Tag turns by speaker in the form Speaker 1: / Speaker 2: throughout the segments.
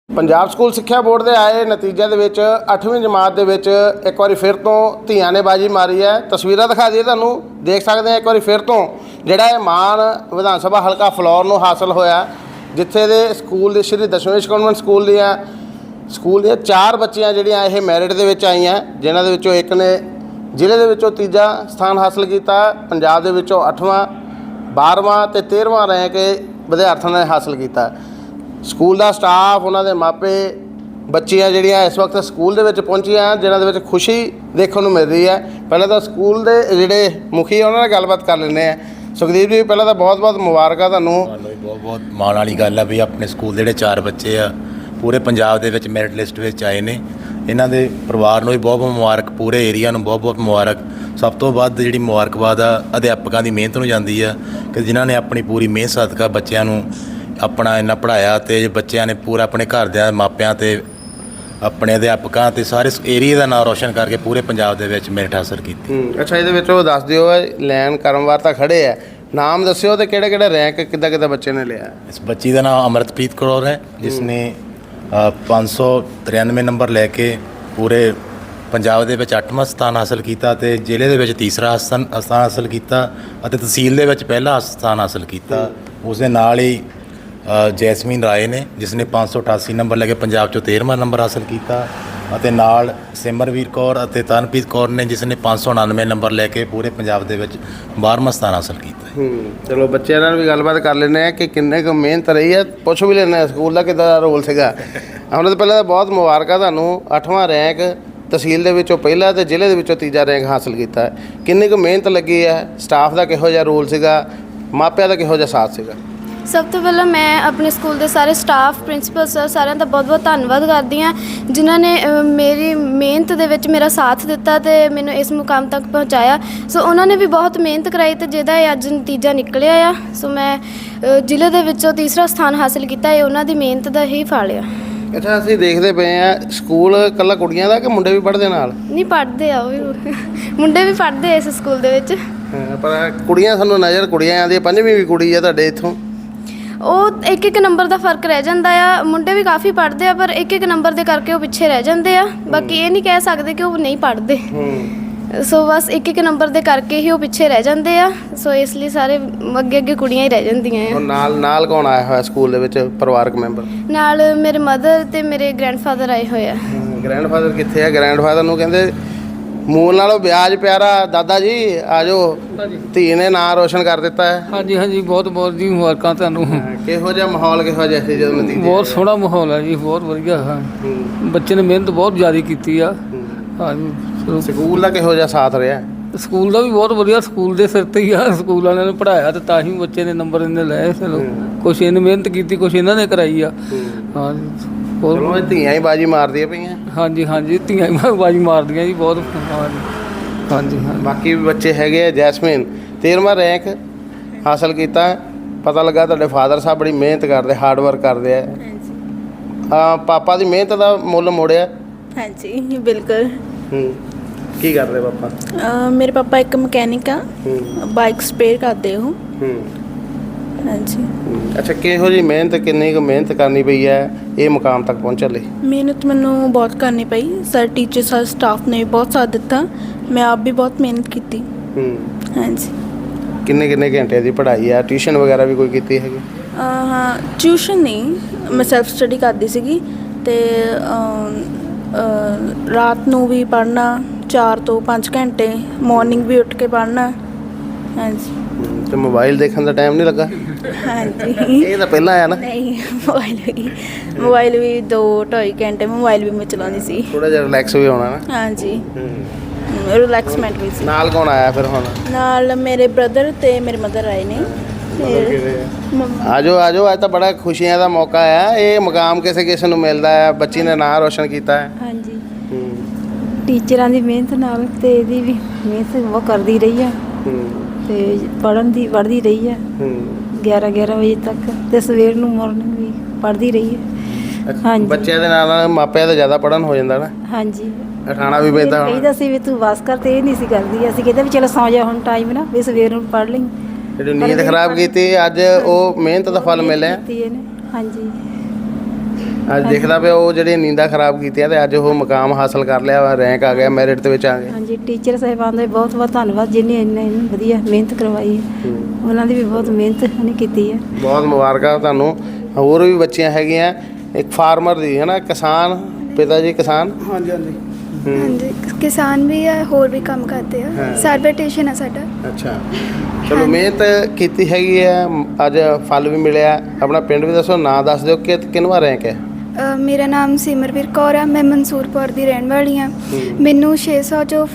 Speaker 1: Punjab school ਸਿੱਖਿਆ board ਦੇ ਆਏ ਨਤੀਜੇ ਦੇ ਵਿੱਚ 8ਵੀਂ ਜਮਾਤ ਦੇ ਵਿੱਚ ਇੱਕ ਵਾਰੀ ਫਿਰ ਤੋਂ ਧੀਆਂ ਨੇ ਬਾਜੀ ਮਾਰੀ ਹੈ। ਤਸਵੀਰਾਂ ਦਿਖਾ ਦਈਏ ਤੁਹਾਨੂੰ, ਦੇਖ ਸਕਦੇ ਆ ਇੱਕ ਵਾਰੀ ਫਿਰ ਤੋਂ ਜਿਹੜਾ ਇਹ ਮਾਣ ਵਿਧਾਨ ਸਭਾ ਹਲਕਾ ਫਲੌਰ ਨੂੰ ਹਾਸਲ ਹੋਇਆ, ਜਿੱਥੇ ਦੇ ਸਕੂਲ ਦੇ ਸ਼੍ਰੀ ਦਸ਼ਮੇਸ਼ ਕਨਵੈਂਟ ਸਕੂਲ ਦੀਆਂ 4 ਬੱਚੀਆਂ ਜਿਹੜੀਆਂ ਇਹ ਮੈਰਿਟ ਦੇ ਵਿੱਚ ਆਈਆਂ, ਜਿਨ੍ਹਾਂ ਦੇ ਵਿੱਚੋਂ ਇੱਕ ਨੇ ਜ਼ਿਲ੍ਹੇ ਦੇ ਵਿੱਚੋਂ ਤੀਜਾ ਸਥਾਨ ਹਾਸਲ ਕੀਤਾ, ਪੰਜਾਬ ਦੇ ਵਿੱਚੋਂ 8ਵਾਂ 12ਵਾਂ ਅਤੇ 13ਵਾਂ ਰੈਂਕ ਵਿਦਿਆਰਥੀਆਂ ਨੇ ਹਾਸਲ ਕੀਤਾ। ਸਕੂਲ ਦਾ ਸਟਾਫ, ਉਹਨਾਂ ਦੇ ਮਾਪੇ, ਬੱਚੀਆਂ ਜਿਹੜੀਆਂ ਇਸ ਵਕਤ ਸਕੂਲ ਦੇ ਵਿੱਚ ਪਹੁੰਚੀਆਂ, ਜਿਨ੍ਹਾਂ ਦੇ ਵਿੱਚ ਖੁਸ਼ੀ ਦੇਖਣ ਨੂੰ ਮਿਲ ਰਹੀ ਹੈ। ਪਹਿਲਾਂ ਤਾਂ ਸਕੂਲ ਦੇ ਜਿਹੜੇ ਮੁਖੀ ਉਹਨਾਂ ਨਾਲ ਗੱਲਬਾਤ ਕਰ ਲੈਂਦੇ ਹਾਂ। ਸੁਖਦੀਪ ਜੀ, ਪਹਿਲਾਂ ਤਾਂ ਬਹੁਤ ਬਹੁਤ ਮੁਬਾਰਕਾਂ ਤੁਹਾਨੂੰ।
Speaker 2: ਬਹੁਤ ਬਹੁਤ ਮਾਣ ਵਾਲੀ ਗੱਲ ਆ ਵੀ ਆਪਣੇ ਸਕੂਲ ਦੇ ਜਿਹੜੇ 4 ਬੱਚੇ ਆ ਪੂਰੇ ਪੰਜਾਬ ਦੇ ਵਿੱਚ ਮੈਰਿਟ ਲਿਸਟ ਵਿੱਚ ਆਏ ਨੇ। ਇਹਨਾਂ ਦੇ ਪਰਿਵਾਰ ਨੂੰ ਵੀ ਬਹੁਤ ਬਹੁਤ ਮੁਬਾਰਕ, ਪੂਰੇ ਏਰੀਆ ਨੂੰ ਬਹੁਤ ਬਹੁਤ ਮੁਬਾਰਕ। ਸਭ ਤੋਂ ਵੱਧ ਜਿਹੜੀ ਮੁਬਾਰਕਬਾਦ ਆ ਅਧਿਆਪਕਾਂ ਦੀ ਮਿਹਨਤ ਨੂੰ ਜਾਂਦੀ ਆ ਕਿ ਜਿਨ੍ਹਾਂ ਨੇ ਆਪਣੀ ਪੂਰੀ ਮਿਹਨਤ ਸਦਕਾ ਬੱਚਿਆਂ ਨੂੰ ਆਪਣਾ ਇੰਨਾ ਪੜ੍ਹਾਇਆ, ਅਤੇ ਬੱਚਿਆਂ ਨੇ ਪੂਰਾ ਆਪਣੇ ਘਰਦਿਆਂ, ਮਾਪਿਆਂ ਅਤੇ ਆਪਣੇ ਅਧਿਆਪਕਾਂ ਅਤੇ ਸਾਰੇ ਏਰੀਏ ਦਾ ਨਾਮ ਰੋਸ਼ਨ ਕਰਕੇ ਪੂਰੇ ਪੰਜਾਬ ਦੇ ਵਿੱਚ ਮੈਰਿਟ ਹਾਸਲ ਕੀਤੀ।
Speaker 1: ਅੱਛਾ, ਇਹਦੇ ਵਿੱਚ ਉਹ ਦੱਸ ਦਿਓ, ਲੈਣ ਕਰਮਵਾਰ ਤਾਂ ਖੜੇ ਆ, ਨਾਮ ਦੱਸਿਓ ਅਤੇ ਕਿਹੜੇ ਕਿਹੜੇ ਰੈਂਕ ਕਿੱਦਾਂ ਬੱਚੇ ਨੇ ਲਿਆ।
Speaker 2: ਇਸ ਬੱਚੀ ਦਾ ਨਾਮ ਅਮਰਤਪ੍ਰੀਤ ਕੌਰ ਹੈ, ਜਿਸ ਨੇ 593 ਨੰਬਰ ਲੈ ਕੇ ਪੂਰੇ ਪੰਜਾਬ ਦੇ ਵਿੱਚ 8ਵਾਂ ਸਥਾਨ ਹਾਸਲ ਕੀਤਾ ਅਤੇ ਜ਼ਿਲ੍ਹੇ ਦੇ ਵਿੱਚ ਤੀਸਰਾ ਸਥਾਨ ਹਾਸਲ ਕੀਤਾ ਅਤੇ ਤਹਿਸੀਲ ਦੇ ਵਿੱਚ ਪਹਿਲਾ ਸਥਾਨ ਹਾਸਲ ਕੀਤਾ। ਉਸ ਦੇ ਨਾਲ ਹੀ ਜੈਸਮੀਨ ਰਾਏ ਨੇ, ਜਿਸ ਨੇ 588 ਨੰਬਰ ਲੈ ਕੇ ਪੰਜਾਬ 'ਚੋਂ 13ਵਾਂ ਨੰਬਰ ਹਾਸਲ ਕੀਤਾ, ਅਤੇ ਨਾਲ ਸਿਮਰਵੀਰ ਕੌਰ ਅਤੇ ਤਰਨਪ੍ਰੀਤ ਕੌਰ ਨੇ, ਜਿਸ ਨੇ 599 ਨੰਬਰ ਲੈ ਕੇ ਪੂਰੇ ਪੰਜਾਬ ਦੇ ਵਿੱਚ 12ਵਾਂ ਸਥਾਨ ਹਾਸਲ ਕੀਤਾ।
Speaker 1: ਚਲੋ ਬੱਚਿਆਂ ਨਾਲ ਵੀ ਗੱਲਬਾਤ ਕਰ ਲੈਂਦੇ ਹਾਂ ਕਿ ਕਿੰਨੇ ਕੁ ਮਿਹਨਤ ਰਹੀ ਹੈ, ਪੁੱਛ ਵੀ ਲੈਂਦੇ ਹਾਂ ਸਕੂਲ ਦਾ ਕਿੱਦਾਂ ਦਾ ਰੋਲ ਸੀਗਾ। ਉਹਨਾਂ ਤੋਂ ਪਹਿਲਾਂ ਤਾਂ ਬਹੁਤ ਮੁਬਾਰਕਾਂ ਤੁਹਾਨੂੰ, 8ਵਾਂ ਰੈਂਕ ਤਹਿਸੀਲ ਦੇ ਵਿੱਚੋਂ ਪਹਿਲਾ ਅਤੇ ਜ਼ਿਲ੍ਹੇ ਦੇ ਵਿੱਚੋਂ ਤੀਜਾ ਰੈਂਕ ਹਾਸਲ ਕੀਤਾ। ਕਿੰਨੀ ਕੁ ਮਿਹਨਤ ਲੱਗੀ ਹੈ, ਸਟਾਫ ਦਾ ਕਿਹੋ ਜਿਹਾ ਰੋਲ ਸੀਗਾ, ਮਾਪਿਆਂ ਦਾ ਕਿਹੋ ਜਿਹਾ ਸਾਥ ਸੀਗਾ।
Speaker 3: ਸਭ ਤੋਂ ਪਹਿਲਾਂ ਮੈਂ ਆਪਣੇ ਸਕੂਲ ਦੇ ਸਾਰੇ ਸਟਾਫ, ਪ੍ਰਿੰਸੀਪਲ ਸਰ, ਸਾਰਿਆਂ ਦਾ ਬਹੁਤ ਬਹੁਤ ਧੰਨਵਾਦ ਕਰਦੀ ਹਾਂ, ਜਿਨ੍ਹਾਂ ਨੇ ਮੇਰੀ ਮਿਹਨਤ ਦੇ ਵਿੱਚ ਮੇਰਾ ਸਾਥ ਦਿੱਤਾ ਅਤੇ ਮੈਨੂੰ ਇਸ ਮੁਕਾਮ ਤੱਕ ਪਹੁੰਚਾਇਆ। ਸੋ ਉਹਨਾਂ ਨੇ ਵੀ ਬਹੁਤ ਮਿਹਨਤ ਕਰਾਈ ਅਤੇ ਜਿਹਦਾ ਇਹ ਅੱਜ ਨਤੀਜਾ ਨਿਕਲਿਆ ਆ। ਸੋ ਮੈਂ ਜ਼ਿਲ੍ਹੇ ਦੇ ਵਿੱਚੋਂ ਤੀਸਰਾ ਸਥਾਨ ਹਾਸਲ ਕੀਤਾ, ਇਹ ਉਹਨਾਂ ਦੀ ਮਿਹਨਤ ਦਾ ਹੀ ਫਲ ਆ।
Speaker 1: ਅੱਛਾ, ਅਸੀਂ ਦੇਖਦੇ ਪਏ ਹਾਂ ਸਕੂਲ ਇਕੱਲਾ ਕੁੜੀਆਂ ਦਾ ਕਿ ਮੁੰਡੇ ਵੀ ਪੜ੍ਹਦੇ ਨਾਲ?
Speaker 3: ਨਹੀਂ, ਪੜ੍ਹਦੇ ਆ, ਉਹ ਵੀ ਮੁੰਡੇ ਵੀ ਪੜ੍ਹਦੇ ਆ ਇਸ ਸਕੂਲ ਦੇ ਵਿੱਚ।
Speaker 1: ਪਰ ਕੁੜੀਆਂ ਸਾਨੂੰ ਨਜ਼ਰ ਕੁੜੀਆਂ ਆਉਂਦੀਆਂ, 5ਵੀਂ ਵੀ ਕੁੜੀ ਆ ਤੁਹਾਡੇ ਇੱਥੋਂ।
Speaker 3: ਉਹ ਇੱਕ ਨੰਬਰ ਦਾ ਫਰਕ ਰਹਿ ਜਾਂਦਾ ਆ। ਮੁੰਡੇ ਵੀ ਕਾਫੀ ਪੜ੍ਹਦੇ ਆ, ਪਰ ਇੱਕ ਨੰਬਰ ਦੇ ਕਰਕੇ ਉਹ ਪਿੱਛੇ ਰਹਿ ਜਾਂਦੇ ਆ। ਬਾਕੀ ਇਹ ਨਹੀਂ ਕਹਿ ਸਕਦੇ ਕਿ ਉਹ ਨਹੀਂ ਪੜ੍ਹਦੇ। ਸੋ ਬਸ ਇੱਕ ਨੰਬਰ ਦੇ ਕਰਕੇ ਹੀ ਉਹ ਪਿੱਛੇ ਰਹਿ ਜਾਂਦੇ ਆ। ਸੋ ਇਸ ਲਈ ਸਾਰੇ ਅੱਗੇ ਕੁੜੀਆਂ ਹੀ ਰਹਿ ਜਾਂਦੀਆਂ ਆ।
Speaker 1: ਨਾਲ ਕੌਣ ਆਇਆ ਹੋਇਆ ਸਕੂਲ ਦੇ ਵਿੱਚ ਪਰਿਵਾਰਕ ਮੈਂਬਰ?
Speaker 3: ਨਾਲ ਮੇਰੇ ਮਦਰ ਅਤੇ ਮੇਰੇ ਗ੍ਰੈਂਡਫਾਦਰ ਆਏ ਹੋਏ ਆ।
Speaker 1: ਗ੍ਰੈਂਡਫਾਦਰ ਕਿੱਥੇ ਆ? ਗ੍ਰੈਂਡਫਾਦਰ ਨੂੰ ਕਹਿੰਦੇ ਮੂਲ ਨਾਲੋਂ ਵਿਆਜ ਪਿਆਰਾ। ਦਾਦਾ ਜੀ ਆ ਜਾਓ, ਧੀ ਨੇ ਨਾਂ ਰੋਸ਼ਨ ਕਰ ਦਿੱਤਾ ਹੈ।
Speaker 4: ਹਾਂਜੀ ਹਾਂਜੀ, ਬਹੁਤ ਬਹੁਤ ਜੀ ਮੁਬਾਰਕਾਂ ਤੁਹਾਨੂੰ।
Speaker 1: ਕਿਹੋ ਜਿਹਾ ਮਾਹੌਲ, ਕਿਹੋ ਜਿਹਾ ਸੀ ਜਦੋਂ ਨਤੀਜੇ?
Speaker 4: ਬਹੁਤ ਸੋਹਣਾ ਮਾਹੌਲ ਹੈ ਜੀ, ਬਹੁਤ ਵਧੀਆ ਹੈ। ਬੱਚੇ ਨੇ ਮਿਹਨਤ ਬਹੁਤ ਜ਼ਿਆਦਾ ਕੀਤੀ ਆ। ਹਾਂਜੀ,
Speaker 1: ਸਕੂਲ ਦਾ ਕਿਹੋ ਜਿਹਾ ਸਾਥ ਰਿਹਾ?
Speaker 4: ਸਕੂਲ ਦਾ ਵੀ ਬਹੁਤ ਵਧੀਆ, ਸਕੂਲ ਦੇ ਸਿਰ 'ਤੇ ਹੀ ਆ। ਸਕੂਲ ਵਾਲਿਆਂ ਨੇ ਪੜ੍ਹਾਇਆ ਅਤੇ ਤਾਂ ਹੀ ਬੱਚੇ ਨੇ ਨੰਬਰ ਇੰਨੇ ਲਏ। ਚਲੋ ਕੁਛ ਇਹਨੇ ਮਿਹਨਤ ਕੀਤੀ, ਕੁਛ ਇਹਨਾਂ ਨੇ ਕਰਾਈ ਆ। ਹਾਂਜੀ,
Speaker 1: ਹੋਰ ਧੀਆਂ ਹੀ ਬਾਜੀ ਮਾਰਦੀਆਂ ਪਈਆਂ।
Speaker 4: ਹਾਂਜੀ ਹਾਂਜੀ, ਧੀਆਂ ਹੀ ਬਾਜੀ ਮਾਰਦੀਆਂ ਜੀ ਬਹੁਤ। ਹਾਂਜੀ ਹਾਂਜੀ,
Speaker 1: ਬਾਕੀ ਵੀ ਬੱਚੇ ਹੈਗੇ ਆ। ਜੈਸਮੀਨ 13ਵਾਂ ਰੈਂਕ ਹਾਸਲ ਕੀਤਾ। ਪਤਾ ਲੱਗਾ ਤੁਹਾਡੇ ਫਾਦਰ ਸਾਹਿਬ ਬੜੀ ਮਿਹਨਤ ਕਰਦੇ, ਹਾਰਡ ਵਰਕ ਕਰਦੇ ਆ। ਪਾਪਾ ਦੀ ਮਿਹਨਤ ਦਾ ਮੁੱਲ ਮੋੜਿਆ?
Speaker 5: ਹਾਂਜੀ ਬਿਲਕੁਲ।
Speaker 1: ਕੀ ਕਰਦੇ ਪਾਪਾ?
Speaker 5: ਮੇਰੇ ਪਾਪਾ ਇੱਕ ਮਕੈਨਿਕ ਆ, ਬਾਈਕ ਸਪੇਅਰ ਕਰਦੇ ਉਹ। ਹਾਂਜੀ।
Speaker 1: ਅੱਛਾ, ਕਿਹੋ ਜਿਹੀ ਮਿਹਨਤ, ਕਿੰਨੀ ਕੁ ਮਿਹਨਤ ਕਰਨੀ ਪਈ ਹੈ ਇਹ ਮੁਕਾਮ ਤੱਕ ਪਹੁੰਚਣ ਲਈ?
Speaker 5: ਮਿਹਨਤ ਮੈਨੂੰ ਬਹੁਤ ਕਰਨੀ ਪਈ। ਸਰ, ਟੀਚਰ, ਸਰ, ਸਟਾਫ ਨੇ ਬਹੁਤ ਸਾਥ ਦਿੱਤਾ। ਮੈਂ ਆਪ ਵੀ ਬਹੁਤ ਮਿਹਨਤ ਕੀਤੀ। ਹਾਂਜੀ।
Speaker 1: ਕਿੰਨੇ ਘੰਟੇ ਦੀ ਪੜ੍ਹਾਈ ਆ? ਟਿਊਸ਼ਨ ਵਗੈਰਾ ਵੀ ਕੋਈ ਕੀਤੀ ਹੈਗੀ?
Speaker 5: ਹਾਂ, ਟਿਊਸ਼ਨ ਨਹੀਂ, ਮੈਂ ਸੈਲਫ ਸਟੱਡੀ ਕਰਦੀ ਸੀਗੀ। ਅਤੇ ਰਾਤ ਨੂੰ ਵੀ ਪੜ੍ਹਨਾ 4 ਤੋਂ 5 ਘੰਟੇ, ਮੋਰਨਿੰਗ ਵੀ ਉੱਠ ਕੇ ਪੜ੍ਹਨਾ। ਹਾਂਜੀ।
Speaker 1: ਤੇ ਮੋਬਾਈਲ ਦੇਖਣ ਦਾ ਟਾਈਮ ਨਹੀਂ ਲੱਗਾ?
Speaker 5: ਹਾਂਜੀ,
Speaker 1: ਇਹ ਤਾਂ ਪਹਿਲਾਂ ਆਇਆ ਨਾ।
Speaker 5: ਨਹੀਂ, ਮੋਬਾਈਲ ਵੀ 2-2.5 ਘੰਟੇ ਮੋਬਾਈਲ ਵੀ ਮੈਂ ਚਲਾਉਂਦੀ ਸੀ।
Speaker 1: ਥੋੜਾ ਜਿਹਾ ਰਿਲੈਕਸ ਵੀ ਹੋਣਾ ਨਾ।
Speaker 5: ਹਾਂਜੀ, ਰਿਲੈਕਸਮੈਂਟ ਵੀ ਸੀ।
Speaker 1: ਨਾਲ ਕੌਣ ਆਇਆ ਫਿਰ ਹੁਣ?
Speaker 5: ਨਾਲ ਮੇਰੇ ਬ੍ਰਦਰ ਤੇ ਮੇਰੇ ਮਦਰ ਆਏ ਨੇ।
Speaker 1: ਆਜੋ ਅੱਜ ਤਾਂ ਬੜਾ ਖੁਸ਼ੀਆਂ ਦਾ ਮੌਕਾ ਆ। ਇਹ ਮੁਕਾਮ ਕਿਸੇ ਨੂੰ ਮਿਲਦਾ ਹੈ, ਬੱਚੀ ਨੇ ਨਾਂ ਰੋਸ਼ਨ ਕੀਤਾ ਹੈ।
Speaker 6: ਹਾਂਜੀ, ਟੀਚਰਾਂ ਦੀ ਮਿਹਨਤ ਨਾਲ ਤੇ ਇਹਦੀ ਵੀ ਮਿਹਨਤ ਬਹੁਤ ਕਰਦੀ ਰਹੀ ਆ ਤੇ ਪੜ੍ਹਦੀ ਰਹੀ ਆ 11 ਵਜੇ ਤੱਕ, ਤੇ ਸਵੇਰ ਨੂੰ ਮਾਰਨਿੰਗ ਵੀ ਪੜ੍ਹਦੀ ਰਹੀ ਹੈ। ਹਾਂਜੀ,
Speaker 1: ਬੱਚਿਆਂ ਦੇ ਨਾਲ ਮਾਪਿਆਂ ਦਾ ਜ਼ਿਆਦਾ ਪੜ੍ਹਨ ਹੋ ਜਾਂਦਾ ਨਾ।
Speaker 6: ਹਾਂਜੀ,
Speaker 1: ਉਠਾਣਾ ਵੀ ਪੈਂਦਾ।
Speaker 6: ਕਹੀਦਾ ਸੀ ਵੀ ਤੂੰ ਬਸ ਕਰ, ਤੇ ਇਹ ਨਹੀਂ ਸੀ ਕਰਦੀ। ਅਸੀਂ ਕਹਿੰਦੇ ਵੀ ਚਲੋ ਸੌਂ ਜਾ ਹੁਣ, ਟਾਈਮ ਨਾ ਵੀ ਸਵੇਰ ਨੂੰ ਪੜ੍ਹ ਲਈ।
Speaker 1: ਜਿਹੜੀ ਨੀਂਦ ਖਰਾਬ ਕੀਤੀ, ਅੱਜ ਉਹ ਮਿਹਨਤ ਦਾ ਫਲ ਮਿਲਿਆ।
Speaker 6: ਹਾਂਜੀ।
Speaker 1: ਅੱਜ ਦੇਖਦਾ ਪਿਆ ਉਹ ਜਿਹੜੀਆਂ ਨੀਂਦਾਂ ਖਰਾਬ ਕੀਤੀਆਂ ਤੇ ਅੱਜ ਉਹ ਮੁਕਾਮ ਹਾਸਲ ਕਰ ਲਿਆ ਵਾ, ਰੈਂਕ ਆ ਗਿਆ, ਮੈਰਿਟ ਦੇ ਵਿੱਚ ਆ ਗਿਆ।
Speaker 6: ਹਾਂਜੀ ਟੀਚਰ ਸਾਹਿਬਾਨ ਦਾ ਵੀ ਬਹੁਤ ਬਹੁਤ ਧੰਨਵਾਦ ਜਿਨ੍ਹਾਂ ਇੰਨੀ ਵਧੀਆ ਮਿਹਨਤ ਕਰਵਾਈ ਹੈ। ਉਹਨਾਂ ਦੀ ਵੀ ਬਹੁਤ ਮਿਹਨਤ ਉਹਨੇ ਕੀਤੀ ਹੈ।
Speaker 1: ਬਹੁਤ ਮੁਬਾਰਕਾਂ ਤੁਹਾਨੂੰ। ਹੋਰ ਵੀ ਬੱਚੀਆਂ ਹੈਗੀਆਂ, ਇੱਕ ਫਾਰਮਰ ਦੀ ਹੈ ਨਾ, ਕਿਸਾਨ, ਪਿਤਾ ਜੀ ਕਿਸਾਨ।
Speaker 7: ਹਾਂਜੀ ਹਾਂਜੀ
Speaker 3: ਹਾਂਜੀ ਕਿਸਾਨ ਵੀ ਆ, ਹੋਰ ਵੀ ਕੰਮ ਕਰਦੇ ਆ, ਸਰਵਿਟੇਸ਼ਨ ਆ ਸਾਡਾ।
Speaker 1: ਅੱਛਾ, ਚਲੋ ਮਿਹਨਤ ਕੀਤੀ ਹੈਗੀ ਹੈ, ਅੱਜ ਫਲ ਵੀ ਮਿਲਿਆ। ਆਪਣਾ ਪਿੰਡ ਵੀ ਦੱਸੋ, ਨਾਂ ਦੱਸ ਦਿਓ ਕਿ ਕਿੰਨਵਾਂ ਰੈਂਕ ਹੈ?
Speaker 3: ਮੇਰਾ ਨਾਮ ਸਿਮਰਵੀਰ ਕੌਰ ਆ, ਮੈਂ ਮਨਸੂਰਪੁਰ ਦੀ ਰਹਿਣ ਵਾਲੀ ਹਾਂ। ਮੈਨੂੰ 600 ਚੋਂ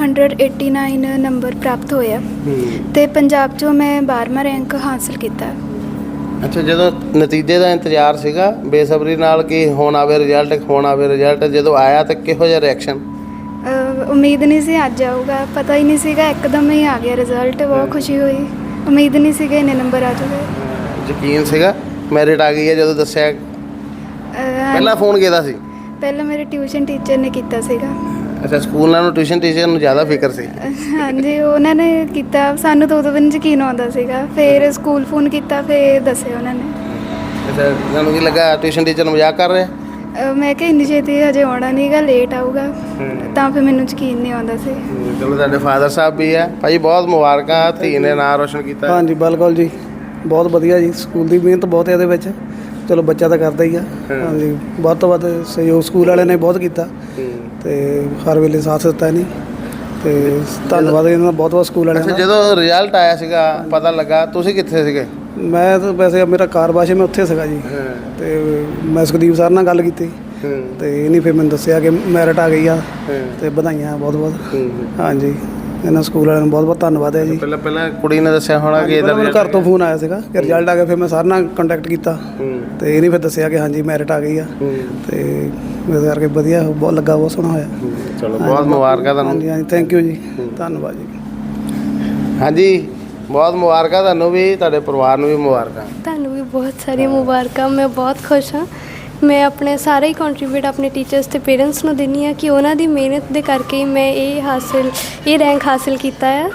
Speaker 3: 589 ਨੰਬਰ ਪ੍ਰਾਪਤ ਹੋਇਆ ਤੇ ਪੰਜਾਬ ਚੋਂ ਮੈਂ 12ਵਾਂ ਰੈਂਕ ਹਾਸਲ ਕੀਤਾ।
Speaker 1: ਅੱਛਾ, ਜਦੋਂ ਨਤੀਜੇ ਦਾ ਇੰਤਜ਼ਾਰ ਸੀਗਾ ਬੇਸਬਰੀ ਨਾਲ ਕਿ ਹੁਣ ਆਵੇ ਰਿਜ਼ਲਟ, ਹੁਣ ਆਵੇ ਰਿਜ਼ਲਟ, ਜਦੋਂ ਆਇਆ ਤਾਂ ਕਿਹੋ ਜਿਹਾ ਰਿਐਕਸ਼ਨ?
Speaker 3: ਉਮੀਦ ਨਹੀਂ ਸੀ ਅੱਜ ਆਊਗਾ, ਪਤਾ ਹੀ ਨਹੀਂ ਸੀਗਾ, ਇੱਕਦਮ ਹੀ ਆ ਗਿਆ ਰਿਜ਼ਲਟ। ਬਹੁਤ ਖੁਸ਼ੀ ਹੋਈ, ਉਮੀਦ ਨਹੀਂ ਸੀਗਾ ਇੰਨੇ ਨੰਬਰ ਆ ਜਾਊਗੇ।
Speaker 1: ਯਕੀਨ ਸੀਗਾ ਮੈਰਿਟ ਆ ਗਈ ਹੈ ਜਦੋਂ ਦੱਸਿਆ? ਪਹਿਲਾਂ ਫੋਨ ਕਿਹਦਾ ਸੀ?
Speaker 3: ਪਹਿਲਾਂ ਮੇਰੇ ਟਿਊਸ਼ਨ ਟੀਚਰ ਨੇ ਕੀਤਾ ਸੀਗਾ।
Speaker 1: ਅੱਛਾ, ਸਕੂਲ ਨਾਲੋਂ ਟਿਊਸ਼ਨ ਟੀਚਰ ਨੂੰ ਜ਼ਿਆਦਾ ਫਿਕਰ ਸੀ?
Speaker 3: ਹਾਂਜੀ ਉਹਨਾਂ ਨੇ ਕੀਤਾ, ਸਾਨੂੰ ਤਾਂ ਉਦੋਂ ਵੀ ਨਹੀਂ ਯਕੀਨ ਆਉਂਦਾ ਸੀਗਾ। ਫਿਰ ਸਕੂਲ ਫੋਨ ਕੀਤਾ, ਫਿਰ ਦੱਸਿਆ ਉਹਨਾਂ ਨੇ।
Speaker 1: ਅੱਛਾ, ਤੁਹਾਨੂੰ ਕੀ ਲੱਗਾ ਟਿਊਸ਼ਨ ਟੀਚਰ ਮਜ਼ਾਕ ਕਰ ਰਿਹਾ?
Speaker 3: ਮੈਂ ਕਿਹਾ ਇੰਨੀ ਛੇਤੀ ਹਜੇ ਆਉਣਾ ਨਹੀਂਗਾ, ਲੇਟ ਆਊਗਾ, ਤਾਂ ਫਿਰ ਮੈਨੂੰ ਯਕੀਨ ਨਹੀਂ ਆਉਂਦਾ ਸੀ।
Speaker 1: ਚਲੋ ਤੁਹਾਡੇ ਫਾਦਰ ਸਾਹਿਬ ਵੀ ਹੈ ਭਾਈ, ਬਹੁਤ ਮੁਬਾਰਕਾਂ, ਧੀ ਨੇ ਨਾਂ ਰੋਸ਼ਨ ਕੀਤਾ।
Speaker 7: ਹਾਂਜੀ ਬਿਲਕੁਲ ਜੀ, ਬਹੁਤ ਵਧੀਆ ਜੀ। ਸਕੂਲ ਦੀ ਮਿਹਨਤ ਬਹੁਤ ਹੈ ਇਹਦੇ ਵਿੱਚ। ਚਲੋ ਬੱਚਾ ਤਾਂ ਕਰਦਾ ਹੀ ਆ। ਹਾਂਜੀ, ਵੱਧ ਤੋਂ ਵੱਧ ਸਹਿਯੋਗ ਸਕੂਲ ਵਾਲਿਆਂ ਨੇ ਬਹੁਤ ਕੀਤਾ ਤੇ ਹਰ ਵੇਲੇ ਸਾਥ ਦਿੱਤਾ ਇਹਨੇ ਤੇ ਧੰਨਵਾਦ ਇਹਨਾਂ ਦਾ ਬਹੁਤ ਬਹੁਤ ਸਕੂਲ ਵਾਲਿਆਂ
Speaker 1: ਅੱਛਾ,
Speaker 7: ਦਾ।
Speaker 1: ਜਦੋਂ ਰਿਜ਼ਲਟ ਆਇਆ ਸੀਗਾ ਪਤਾ ਲੱਗਾ, ਤੁਸੀਂ ਕਿੱਥੇ ਸੀਗੇ?
Speaker 7: ਮੈਂ ਤਾਂ ਵੈਸੇ ਮੇਰਾ ਕਾਰਵਾਸ਼ ਮੈਂ ਉੱਥੇ ਸੀਗਾ ਜੀ ਤੇ ਮੈਂ ਸੁਖਦੀਪ ਸਰ ਨਾਲ ਗੱਲ ਕੀਤੀ ਤੇ ਇਹਨੇ ਫਿਰ ਮੈਨੂੰ ਦੱਸਿਆ ਕਿ ਮੈਰਿਟ ਆ ਗਈ ਆ ਤੇ ਵਧਾਈਆਂ ਬਹੁਤ ਬਹੁਤ। ਹਾਂਜੀ, ਇਹਨਾਂ ਸਕੂਲ ਵਾਲਿਆਂ ਨੂੰ ਬਹੁਤ ਬਹੁਤ ਧੰਨਵਾਦ ਹੈ ਜੀ।
Speaker 1: ਪਹਿਲਾਂ ਕੁੜੀ ਨੇ ਦੱਸਿਆ ਹੋਣਾ ਕਿ ਇਹਦਾ
Speaker 7: ਮੈਨੂੰ ਘਰ ਤੋਂ ਫੋਨ ਆਇਆ ਸੀਗਾ ਕਿ ਰਿਜ਼ਲਟ ਆ ਗਿਆ। ਫਿਰ ਮੈਂ ਸਰ ਨਾਲ ਕੰਟੈਕਟ ਕੀਤਾ ਤੇ ਇਹਨੇ ਫਿਰ ਦੱਸਿਆ ਕਿ ਹਾਂਜੀ ਮੈਰਿਟ ਆ ਗਈ ਆ ਤੇ ਇਸ ਕਰਕੇ ਵਧੀਆ, ਬਹੁਤ ਲੱਗਾ, ਬਹੁਤ ਸੋਹਣਾ ਹੋਇਆ।
Speaker 1: ਚਲੋ ਬਹੁਤ ਮੁਬਾਰਕਾਂ ਤੁਹਾਨੂੰ।
Speaker 7: ਹਾਂਜੀ ਹਾਂਜੀ, ਥੈਂਕ ਯੂ ਜੀ, ਧੰਨਵਾਦ ਜੀ।
Speaker 1: ਹਾਂਜੀ, ਬਹੁਤ ਮੁਬਾਰਕਾਂ ਤੁਹਾਨੂੰ ਵੀ, ਤੁਹਾਡੇ ਪਰਿਵਾਰ ਨੂੰ ਵੀ ਮੁਬਾਰਕਾਂ।
Speaker 3: ਤੁਹਾਨੂੰ ਵੀ ਬਹੁਤ ਸਾਰੀਆਂ ਮੁਬਾਰਕਾਂ। ਮੈਂ ਬਹੁਤ ਖੁਸ਼ ਹਾਂ। ਮੈਂ ਆਪਣੇ ਸਾਰੇ ਹੀ ਕੰਟਰੀਬਿਊਟ ਆਪਣੇ ਟੀਚਰਸ ਤੇ ਪੇਰੈਂਟਸ ਨੂੰ ਦਿੰਦੀ ਹਾਂ ਕਿ ਉਹਨਾਂ ਦੀ ਮਿਹਨਤ ਦੇ ਕਰਕੇ ਹੀ ਮੈਂ ਇਹ ਰੈਂਕ ਹਾਸਿਲ ਕੀਤਾ ਹੈ।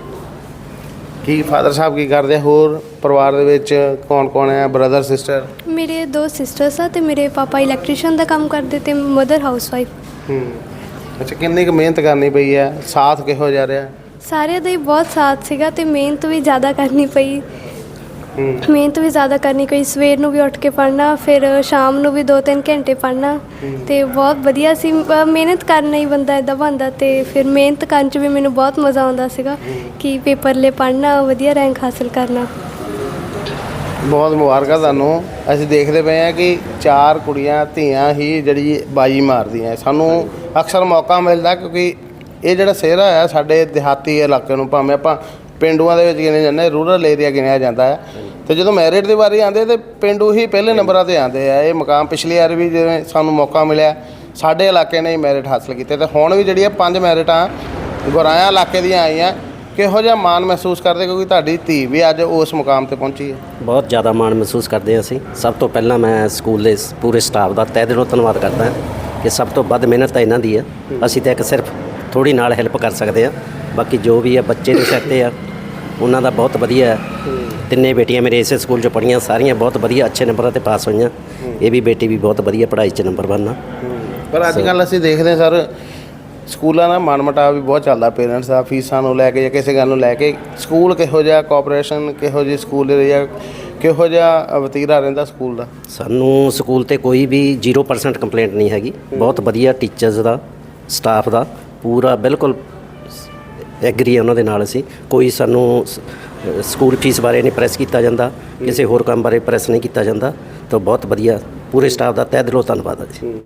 Speaker 1: ਕੀ ਫਾਦਰ ਸਾਹਿਬ ਕੀ ਕਰਦੇ? ਹੋਰ ਪਰਿਵਾਰ ਦੇ ਵਿੱਚ ਕੌਣ ਕੌਣ ਹੈ? Brother sister?
Speaker 3: ਮੇਰੇ 2 ਸਿਸਟਰਸ ਆ ਤੇ ਮੇਰੇ ਪਾਪਾ ਇਲੈਕਟ੍ਰੀਸ਼ੀਅਨ ਦਾ ਕੰਮ ਕਰਦੇ ਤੇ ਮਦਰ ਹਾਊਸਵਾਈਫ।
Speaker 1: ਅੱਛਾ, ਕਿੰਨੀ ਕੁ ਮਿਹਨਤ ਕਰਨੀ ਪਈ ਹੈ? ਸਾਥ ਕਿਹੋ ਜਿਹਾ ਰਿਹਾ?
Speaker 3: ਸਾਰਿਆਂ ਦਾ ਹੀ ਬਹੁਤ ਸਾਥ ਸੀਗਾ ਤੇ ਮਿਹਨਤ ਵੀ ਜ਼ਿਆਦਾ ਕਰਨੀ ਪਈ। ਕੋਈ ਸਵੇਰ ਨੂੰ ਵੀ ਉੱਠ ਕੇ ਪੜ੍ਹਨਾ, ਫਿਰ ਸ਼ਾਮ ਨੂੰ ਵੀ 2-3 ਘੰਟੇ ਪੜ੍ਹਨਾ ਤੇ ਬਹੁਤ ਵਧੀਆ ਸੀ। ਮਿਹਨਤ ਕਰਨਾ ਹੀ ਬੰਦਾ ਇੱਦਾਂ ਬਣਦਾ ਤੇ ਫਿਰ ਮਿਹਨਤ ਕਰਨ 'ਚ ਵੀ ਮੈਨੂੰ ਬਹੁਤ ਮਜ਼ਾ ਆਉਂਦਾ ਸੀਗਾ ਕਿ ਪੇਪਰ ਲਈ ਪੜ੍ਹਨਾ, ਵਧੀਆ ਰੈਂਕ ਹਾਸਿਲ ਕਰਨਾ।
Speaker 1: ਬਹੁਤ ਮੁਬਾਰਕਾਂ ਤੁਹਾਨੂੰ। ਅਸੀਂ ਦੇਖਦੇ ਪਏ ਹਾਂ ਕਿ 4 ਕੁੜੀਆਂ ਧੀਆਂ ਹੀ ਜਿਹੜੀ ਬਾਜੀ ਮਾਰਦੀਆਂ। ਸਾਨੂੰ ਅਕਸਰ ਮੌਕਾ ਮਿਲਦਾ ਕਿਉਂਕਿ ਇਹ ਜਿਹੜਾ ਸਿਹਰਾ ਹੈ ਸਾਡੇ ਦਿਹਾਤੀ ਇਲਾਕੇ ਨੂੰ, ਭਾਵੇਂ ਆਪਾਂ ਪਿੰਡੂਆਂ ਦੇ ਵਿੱਚ ਗਿਣੇ ਜਾਂਦੇ, ਰੂਰਲ ਏਰੀਆ ਗਿਣਿਆ ਜਾਂਦਾ ਹੈ, ਤੇ ਜਦੋਂ ਮੈਰਿਟ ਦੀ ਵਾਰੀ ਆਉਂਦੇ ਤੇ ਪਿੰਡੂ ਹੀ ਪਹਿਲੇ ਨੰਬਰਾਂ 'ਤੇ ਆਉਂਦੇ ਆ। ਇਹ ਮੁਕਾਮ ਪਿਛਲੀ ਵਾਰ ਵੀ ਜਿਵੇਂ ਸਾਨੂੰ ਮੌਕਾ ਮਿਲਿਆ, ਸਾਡੇ ਇਲਾਕੇ ਨੇ ਹੀ ਮੈਰਿਟ ਹਾਸਲ ਕੀਤੇ ਤੇ ਹੁਣ ਵੀ ਜਿਹੜੀਆਂ 5 ਮੈਰਿਟਾਂ ਗੁਰਾਇਆ ਇਲਾਕੇ ਦੀਆਂ ਆਈਆਂ। ਕਿਹੋ ਜਿਹਾ ਮਾਣ ਮਹਿਸੂਸ ਕਰਦੇ ਕਿਉਂਕਿ ਤੁਹਾਡੀ ਧੀ ਵੀ ਅੱਜ ਉਸ ਮੁਕਾਮ 'ਤੇ ਪਹੁੰਚੀ ਹੈ?
Speaker 8: ਬਹੁਤ ਜ਼ਿਆਦਾ ਮਾਣ ਮਹਿਸੂਸ ਕਰਦੇ ਹਾਂ ਅਸੀਂ। ਸਭ ਤੋਂ ਪਹਿਲਾਂ ਮੈਂ ਸਕੂਲ ਦੇ ਪੂਰੇ ਸਟਾਫ ਦਾ ਤਹਿ ਦਿਲੋਂ ਧੰਨਵਾਦ ਕਰਦਾ ਕਿ ਸਭ ਤੋਂ ਵੱਧ ਮਿਹਨਤ ਤਾਂ ਇਹਨਾਂ ਦੀ ਹੈ। ਅਸੀਂ ਤਾਂ ਇੱਕ ਸਿਰਫ ਥੋੜ੍ਹੀ ਨਾਲ ਹੈਲਪ ਕਰ ਸਕਦੇ ਹਾਂ, ਬਾਕੀ ਜੋ ਵੀ ਹੈ ਬੱਚੇ ਦੇ ਸਿਰ 'ਤੇ ਆ, ਉਹਨਾਂ ਦਾ ਬਹੁਤ ਵਧੀਆ ਹੈ। 3 ਬੇਟੀਆਂ ਮੇਰੇ ਇਸੇ ਸਕੂਲ 'ਚ ਪੜ੍ਹੀਆਂ, ਸਾਰੀਆਂ ਬਹੁਤ ਵਧੀਆ ਅੱਛੇ ਨੰਬਰਾਂ 'ਤੇ ਪਾਸ ਹੋਈਆਂ। ਇਹ ਵੀ ਬੇਟੀ ਵੀ ਬਹੁਤ ਵਧੀਆ ਪੜ੍ਹਾਈ 'ਚ ਨੰਬਰ 1 ਆ।
Speaker 1: ਪਰ ਅੱਜ ਕੱਲ੍ਹ ਅਸੀਂ ਦੇਖਦੇ ਸਰ ਸਕੂਲਾਂ ਦਾ ਮਨਮਟਾਵ ਵੀ ਬਹੁਤ ਚੱਲਦਾ, ਪੇਰੈਂਟਸ ਦਾ ਫੀਸਾਂ ਨੂੰ ਲੈ ਕੇ ਜਾਂ ਕਿਸੇ ਗੱਲ ਨੂੰ ਲੈ ਕੇ। ਸਕੂਲ ਕਿਹੋ ਜਿਹਾ, ਕੋਆਪਰੇਸ਼ਨ ਕਿਹੋ ਜਿਹੀ ਸਕੂਲ ਏਰੀਆ, ਕਿਹੋ ਜਿਹਾ ਵਤੀਰਾ ਰਹਿੰਦਾ ਸਕੂਲ ਦਾ?
Speaker 8: ਸਾਨੂੰ ਸਕੂਲ 'ਤੇ ਕੋਈ ਵੀ 0% ਕੰਪਲੇਂਟ ਨਹੀਂ ਹੈਗੀ। ਬਹੁਤ ਵਧੀਆ ਟੀਚਰਸ ਦਾ, ਸਟਾਫ ਦਾ ਪੂਰਾ ਬਿਲਕੁਲ ਐਗਰੀ ਹੈ ਉਹਨਾਂ ਦੇ ਨਾਲ। ਅਸੀਂ ਕੋਈ ਸਾਨੂੰ ਸਕੂਲ ਫੀਸ ਬਾਰੇ ਨਹੀਂ ਪ੍ਰੈਸ ਕੀਤਾ ਜਾਂਦਾ, ਕਿਸੇ ਹੋਰ ਕੰਮ ਬਾਰੇ ਪ੍ਰੈਸ ਨਹੀਂ ਕੀਤਾ ਜਾਂਦਾ। ਤਾਂ ਬਹੁਤ ਵਧੀਆ, ਪੂਰੇ ਸਟਾਫ ਦਾ ਤਹਿ ਦਿਲੋਂ ਧੰਨਵਾਦ ਹੈ ਜੀ।